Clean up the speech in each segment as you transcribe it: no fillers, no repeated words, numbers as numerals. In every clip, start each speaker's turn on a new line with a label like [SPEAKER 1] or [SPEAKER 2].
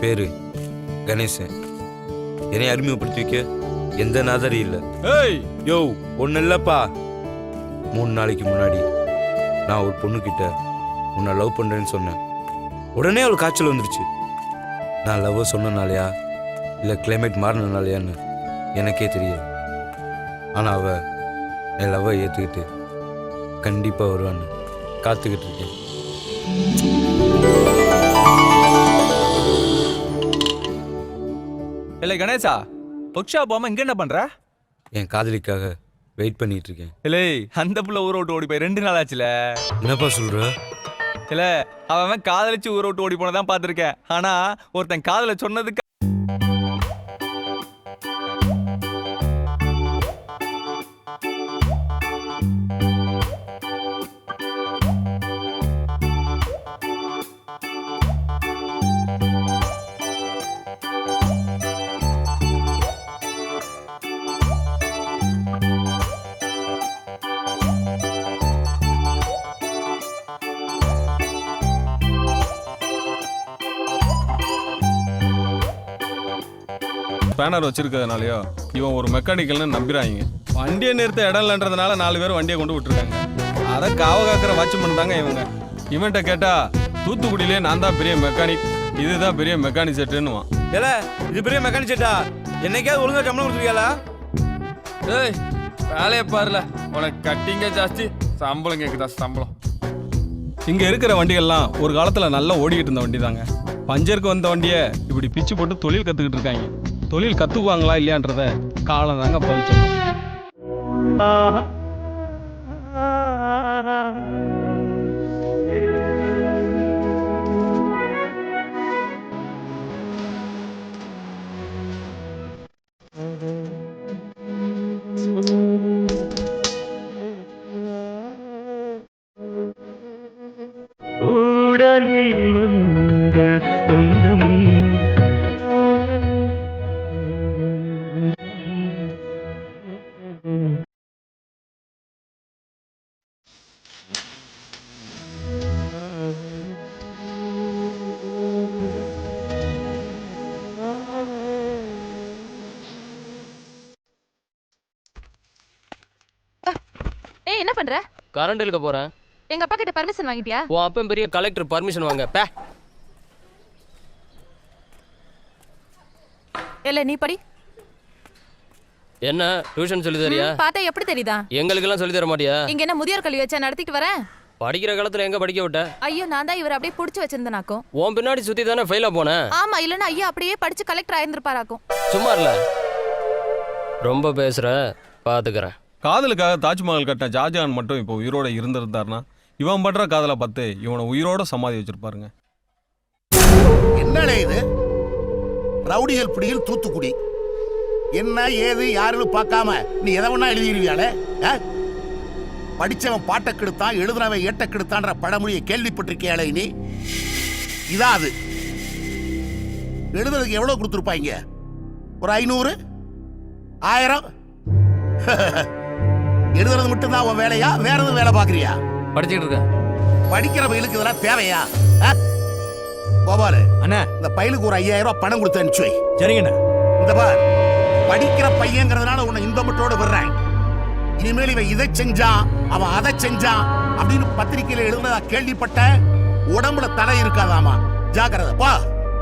[SPEAKER 1] பேரு கணேசன். என்னை அறிமுகப்படுத்தி வைக்க எந்த நாதரி இல்லை.
[SPEAKER 2] ஏய்
[SPEAKER 1] யோ ஒன்றும் இல்லைப்பா. 3 நாளைக்கு முன்னாடி நான் ஒரு பொண்ணுக்கிட்ட உன்னை லவ் பண்ணுறேன்னு சொன்னேன். உடனே அவள் காய்ச்சல் வந்துருச்சு. நான் லவ் சொன்னனாலையா இல்லை கிளைமேட் மாறினாலையான்னு எனக்கே தெரியல. ஆனால் அவள் என் லவ்வை ஏற்றுக்கிட்டு கண்டிப்பாக வருவான்னு காத்துக்கிட்டு இருக்கேன்.
[SPEAKER 2] இல்லை கணேசா, ஒர்க் போகாம இங்க என்ன பண்ற?
[SPEAKER 1] என் காதலிக்காக வெயிட் பண்ணிட்டு இருக்கேன்.
[SPEAKER 2] இல்லை அந்த புள்ள ஊரை விட்டு ஓடி போய் 2 நாள் ஆச்சுல.
[SPEAKER 1] என்னப்பா சொல்ற?
[SPEAKER 2] இல்ல அவன் காதலிச்சு ஊரை விட்டு ஓடி போனதான் பார்த்திருக்கேன். ஆனா ஒருத்தன் காதல சொன்னதுக்கு
[SPEAKER 3] பேனர் வச்சிருக்கிறதுனாலயோ இவன் ஒரு மெக்கானிக்கல்னு நம்பிடுறாங்க. வண்டியை நிறுத்த இடம் இல்லைன்றதுனால 4 பேர் வண்டியை கொண்டு விட்டுருக்காங்க. அதை காவ காக்கிற வாட்ச்மேன் தாங்க இவங்க. இவன்கிட்ட கேட்டா தூத்துக்குடியிலே நான் தான் பெரிய மெக்கானிக், இதுதான் பெரிய மெக்கானிக் செட்டுன்னுவான்.
[SPEAKER 1] ஏல இது பெரிய மெக்கானிக் செட்டா? என்னைக்காவது ஒழுங்கா சம்பளம் கொடுத்துருக்கியாலா?
[SPEAKER 4] ஏய் வேலையை பாருல, உனக்கு கட்டிங்க ஜாஸ்தி, சம்பளம் கேட்குதா சம்பளம்.
[SPEAKER 3] இங்க இருக்கிற வண்டிகள்லாம் ஒரு காலத்துல நல்லா ஓடிக்கிட்டு இருந்த வண்டி தாங்க. பஞ்சருக்கு வந்த வண்டியை இப்படி பிச்சு போட்டு தொழில் கத்துக்கிட்டு இருக்காங்க. தொழில் கத்துக்குவாங்களா இல்லையான்றத காலம் தாங்க பதிச்சோம்.
[SPEAKER 5] ஏய் என்ன பண்ற?
[SPEAKER 6] கரண்ட் இழுக்க போறேன்.
[SPEAKER 5] எங்க அப்பா கிட்ட பர்மிஷன் வாங்கிட்டியா?
[SPEAKER 6] உன் அப்பன் பெரிய கலெக்டர், பர்மிஷன் வாங்க பே.
[SPEAKER 5] இல்ல நீ படி.
[SPEAKER 6] என்ன டியூஷன் சொல்லி தரியா?
[SPEAKER 5] பார்த்தா எப்படி தெரியுதா?
[SPEAKER 6] எங்களுக்கு எல்லாம் சொல்லி தர மாட்டியா?
[SPEAKER 5] இங்க என்ன முதியோர் கல்வி வச்சா நடத்திட்டு வரேன்?
[SPEAKER 6] படிக்கிற காலத்துல எங்க படிக்க விட்ட?
[SPEAKER 5] ஐயோ நான் தான் இவர் அப்படியே புடிச்சு வச்சிருந்தனாக்கும்.
[SPEAKER 6] உன் பின்னாடி சுத்தி தானே ஃபெயிலா போனேன்.
[SPEAKER 5] ஆமா இல்லன்னா ஐயா அப்படியே படிச்சு கலெக்டர் ஆயிருந்திருப்பாராக்கும்.
[SPEAKER 6] சும்மா இல்ல, ரொம்ப பேசுற, பாத்துக்கிறேன்.
[SPEAKER 3] காதலுக்காக தாஜ்மஹால் கட்டின ஷாஜகான் மட்டும் இப்போ உயிரோட இருந்திருந்தாருன்னா இவன் பண்ற காதலை பார்த்து இவனை உயிரோட சமாதி வச்சிருப்பாருங்க.
[SPEAKER 7] என்னடா இது? ரவுடிகள் பிடியில் தூத்துக்குடி. என்ன ஏது யாருன்னு பார்க்காம நீ எதை வேணா எழுதிடுவியாலே? படிச்சவன் பாட்டை கெடுத்தான், எழுதுனவன் ஏட்ட கெடுத்தான்ற பழமொழியை கேள்விப்பட்டிருக்கியாலே? நீ இதான் அது. எழுதுறதுக்கு எவ்வளவு கொடுத்துருப்பாங்க? ஒரு 500 1000? எழுதுறது மட்டும்தான் உன் வேலையா? வேற எதுவும் வேலை பாக்குறியா?
[SPEAKER 6] படிச்சுட்டு இருக்க.
[SPEAKER 7] படிக்கிற பையலுக்கு இதெல்லாம் தேவையா? கோபாலு
[SPEAKER 2] அண்ணா,
[SPEAKER 7] இந்த பையலுக்கு ஒரு 5000 ரூபாய் பணம் கொடுத்து அனுப்பிச்சு வை.
[SPEAKER 2] சரிங்கண்ணா.
[SPEAKER 7] இந்த பார், படிக்கிற பையங்கிறதுனால உன்னை இந்த மட்டும் விடுறேன். இனிமேல் இவன் இதை செஞ்சான், அவன் அதை செஞ்சான் அப்படின்னு பத்திரிகையில எழுதுனதா கேள்விப்பட்ட, உடம்புல தலை இருக்காதாமா. ஜாக்கிரதை பா.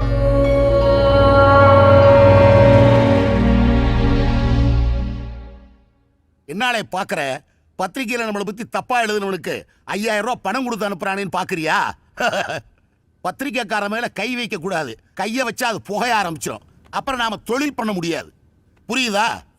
[SPEAKER 7] என்னாலே பாக்குற? பத்திரிகையில நம்மளை பத்தி தப்பா எழுதுனவனுக்கு 5000 ரூபாய் பணம் கொடுத்து அனுப்புறானேன்னு பாக்குறியா? பத்திரிகைக்கார மேல கை வைக்க கூடாது. கைய வச்சா அது புகைய ஆரம்பிச்சிடும். அப்புறம் நாம தொழில் பண்ண முடியாது. புரியுதா?